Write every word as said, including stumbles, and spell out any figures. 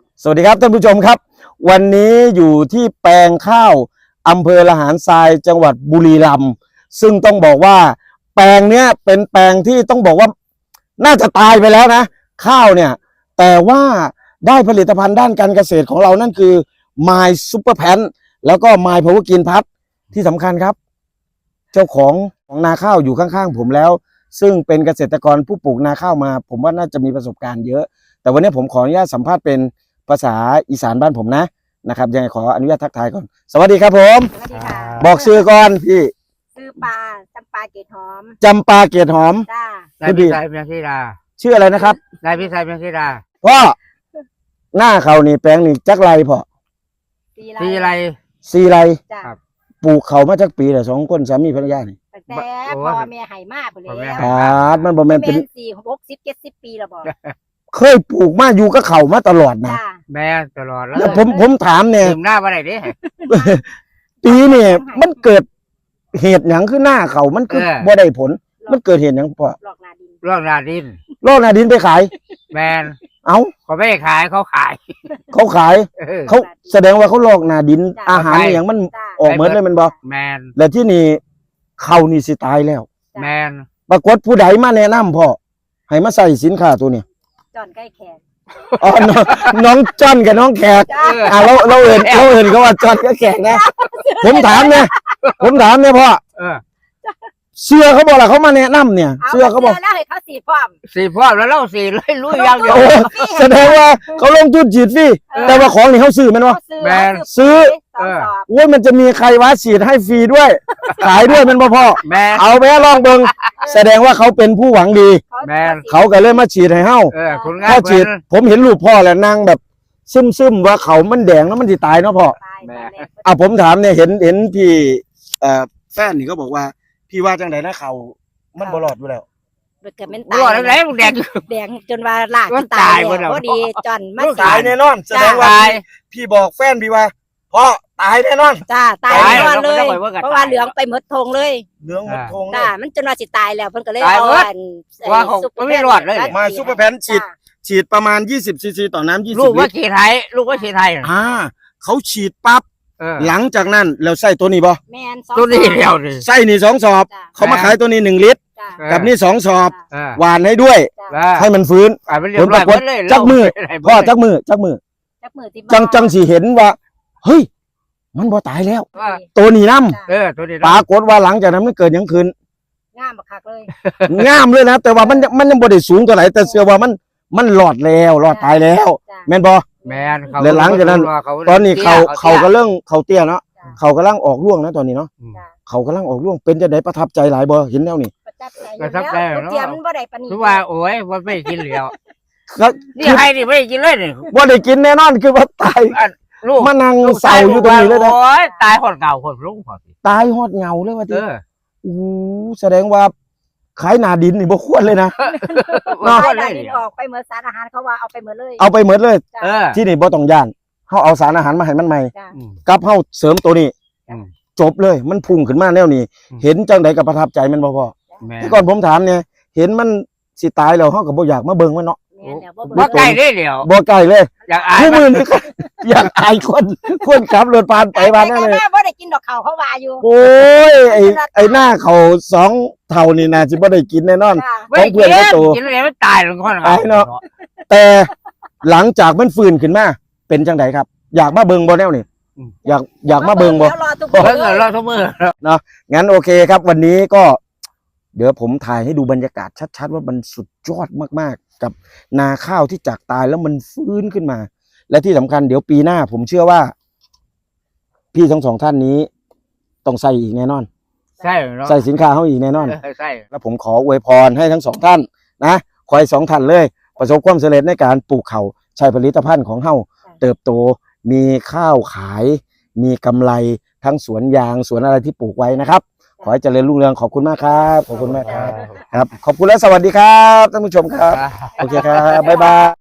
สวัสดีครับท่านผู้ชมครับวันนี้อยู่ที่แปลงข้าวอำเภอละหารทรายจังหวัดบุรีรัมย์ซึ่งต้องบอกว่าแปลงเนี้ยเป็นแปลงที่ต้องบอกว่าน่าจะตายไปแล้วนะข้าวเนี่ยแต่ว่าได้ผลิตภัณฑ์ด้านการเกษตรของเรานั่นคือ My Super Pan แล้วก็ My Power Green Plus ที่สำคัญครับเจ้าของของนาข้าวอยู่ข้างๆผมแล้วซึ่งเป็นเกษตรกรผู้ปลูกนาข้าวมาผมว่าน่าจะมีประสบการณ์เยอะแต่วันนี้ผมขออนุญาตสัมภาษณ์เป็นภาษาอีสานบ้านผมนะนะครับยังไงขออนุญาตทักทายก่อนสวัสดีครับผมสวัสดีค่ะบอกชื่อก่อนพี่ชื่อปลาจำปาเกตหอมจำปาเกียรติหอมจ้านายพิชัยเพียงธิดาชื่ออะไรนะครับนายพิชัยเพียงธิดาพ่อหน้าเขานี่แปลงนี่จักไรพ่อสีทีไรสี่ไรจ้าครับปลูกเขามาจักปีแต่สองคนสามีภรรยานี่ตั้งแต่พ่อแม่ไห่มากไปพ่อแม่แล้วให้อ่ามันบ่แม่นเป็เป็นนสี่หกสิบเจ็ดสิบปีแล้วบอกเคยปลูกมาอยู่กับเขามาตลอดนะจ้าแม่ตลอดแล้วแล้วผมผมถามเนี่ยถึงหน้าว่าไหนดิปีนี่มันเกิดเหตุหยังขึ้นหน้าเขามันคือเออบ่ได้ผล มันเกิดเหตุหยังพ่อหลอกนาดินร่องนาดินโลกนาดินไปขายแมนเอ้าเขาไม่ขายเขาขายเขาขายเออเขาแสดงว่าเขาลอกนาดิน อาหารไปอหย่างมันจ้าออกเหมือนเลยแมันบ่แมนแล้วที่นี่เขานี่สิตายแล้วแมนปรากฏผู้ใดมาแนะนำพ่อให้มาใส่สินค้าตัวนี้จอนใกล้แขกอ๋อน้องน้องจ้อนกับน้องแขกจ้าอ่าเราเราเอินเราเอินเขาว่าจ้อนกับแขกนะผมถามเนี่ยผมถามเนี่ยพ่อเออเชื่อเขาบอกล่ะเขามาแนะนำเนี่ยเอาเชื่อเขาบอกแล้วให้เขาสีพร้อมสี่พ่อแล้วเล่าสี่เลยลุยยาวเดียวโอ้แสดงว่าเขาลงทุนฉีดฟรีแต่ว่าของนี่เขาซื้อแมันวะเขาซื้อแมนซื้อสองสอบโอ้ยมันจะมีใครวะฉีดให้ฟรีด้วย ขายด้วยแมันบ่พ่อแมนเอาไปลองเบิ่งแสดงว่าเขาเป็นผู้หวังดีแมนเขาก็เลยมาฉีดให้เฮาเออคุณพ่ง่าอย ฉีดผมเห็นรูปพ่อแล้วนั่งแบบซึมๆว่าเขามันแดงแล้วมันสิตายเนาะพ่อตายตายแล้วอ่ะผมถามเนี่ยเห็นเห็นพี่เอ่อแฟนนี่ก็บอกว่า พี่ว่าจังไดนะเขามันบ่รอดอยู่แล้วเกิดเป็นรอดแล้วมึงแดงแดงจนว่าลากก็จนตายตายหมดแล้วพอดีจอนมาตายแน่นอน แสดงว่าตายพี่บอกแฟนพี่ว่าพ่อตายแน่นอนจ้าตายตายแน่นอนเลยแล้วก็ต้องไปว่ากันเพราะว่าเหลืองไปหมดทงเลยเหลืองหมดทงเลจ้าย มันจนว่าสิตายแล้วเพิ่นก็เลยตายเอาหมดอันว่าเขาซุปปไม่รอดเลยมาซุปเปอร์แพนฉีด ฉีดประมาณยี่สิบซีซีต่อน้ำยี่สิลูบกลิว่าตรขี่ไทยลูกว่าขี่ไทยอ่าเขาฉีดปั๊บเออหลังจากนั้นแล้วใส่ตัวนี้บ่แม่นสองตัวนี้เดียวดิใส่นี่สองสอบจ้าเขามาขายตัวนี้หนึ่งลิตรจ้าเออกับนี่สองสอบเออหวานให้ด้วยจ้าให้มันฟื้นอ่ามันเรียบร้อยหมดเลยจักมือเพ่อจักมือจักมือจักมือที่จังจังสิเห็นว่า เฮ้ย มันบ่ตายแล้วว่าตัวนี้น้เออตัวนี้ำปรากฏว่าหลังจากนั้นมันเกิดหยังขึ้นงามบักคักเลยงามเลยนะ แต่ว่ามันมันยังบ่ได้สูงเท่าไหร่แต่เชื่อว่ามันมันรอดแล้วรอดตายแล้วจ้าแม่นบ่แมนเขาแล้วหลังจากนั้น ตอนนี้เขาเขาก็เลิกเรื่องเขาเตี้ยเนาะจ้าเขากำลังออกร่วงนะตอนนี้เนาะจ้าเขากำลังออกร่วงเป็นจะได้ประทับใจหลายบ่เห็นแล้วนี่ประทับใจประทับใจแล้วเนอะเตรียมมันบ่ได้ปานนี้คือว่าโอ้ยว่าไม่กินเหลียวก็นี่ให้ดิไม่ได้กินเลยนี่บ่ได้กินแน่นอนคือว่าตายลูกมานั่งเศร้าอยู่ตรงนี้เลยนะโอ้ยตายคนเก่าคนลุงพอสิตายฮอดเหงาเลยว่าเอที่อโอ้โหแสดงว่าขายหนาดินนี่บ่ควรเลยนะเนาะเอาเลได้ยดินออกไปเหมือนสารอาหารเขาว่าเอาไปเหมือนเลยเอาไปหมดเลยจ้าเออที่นี่บ่ต้องย่านเฮาเอาสารอาหารมาให้มันใหม่จ้ากับเฮาเสริมตัวนี้อืมจบเลยมันพุ่งขึ้นมาแนวนี้อืมเห็นจังไดก็ประทับใจมันบ่พอแม่ที่ก่อนผมถามเนี่ยเห็นมันสิตายแล้วเฮาก็บ่อยากมาเบิ่งมันเนาะแม่นแล้วบ่ว่าเบิ่งใกล้ได้เดียวบ่ใกล้เลยอยากอายผู้มันมือนี่ อยากอายคนคนขับรถผ่านไปผ่านนั่นเลยแต่บ่ได้กินดอกเขาเขาว่าอยู่โอ้ยไอ้ไอ้หน้าเขาสองเท่านี่น่าสิบ่ได้กินแน่นอนจ้าไม่ได้ของเพื่อนก็โตกินอะไรไม่ตายหรอกคนตายเนาะ แต่หลังจากมันฟื้นขึ้นมาเป็นจังไดครับ อยากมาเบิ่งบ่แนวนี่อยากอยากมาเบิ่งบ่แล้วรอทุกเบิ่งเลเงินยเราทุกมืองั้นโอเคครับ วันนี้ก็ เดี๋ยวผมถ่ายให้ดูบรรยากาศชัดๆว่ามันสุดยอดมากๆ กับนาข้าวที่จากตายแล้วมันฟื้นขึ้นมา และที่สำคัญเดี๋ยวปีหน้า ผมเชื่อว่า พี่ทั้งสองท่านนี้ ต้องใส่อีกแน่นอนใช่เนาะใส่สินค้าเขาอีกแน่นอนเออใช่แล้วผมขออวยพรให้ทั้งสองท่านนะขอให้สองท่านเลย ประสบความสำเร็จในการปลูกเขาใช้ผลิตภัณฑ์ของเฮาเติบโต มีข้าวขาย มีกำไรทั้งสวนยางสวนอะไรที่ปลูกไว้นะครับ ขอให้เจริญรุ่งเรืองขอบคุณมากครับขอบคุณมากครับครับ ขอบคุณและสวัสดีครับท่านผู้ชมครับโอเคครับบ๊ายบาย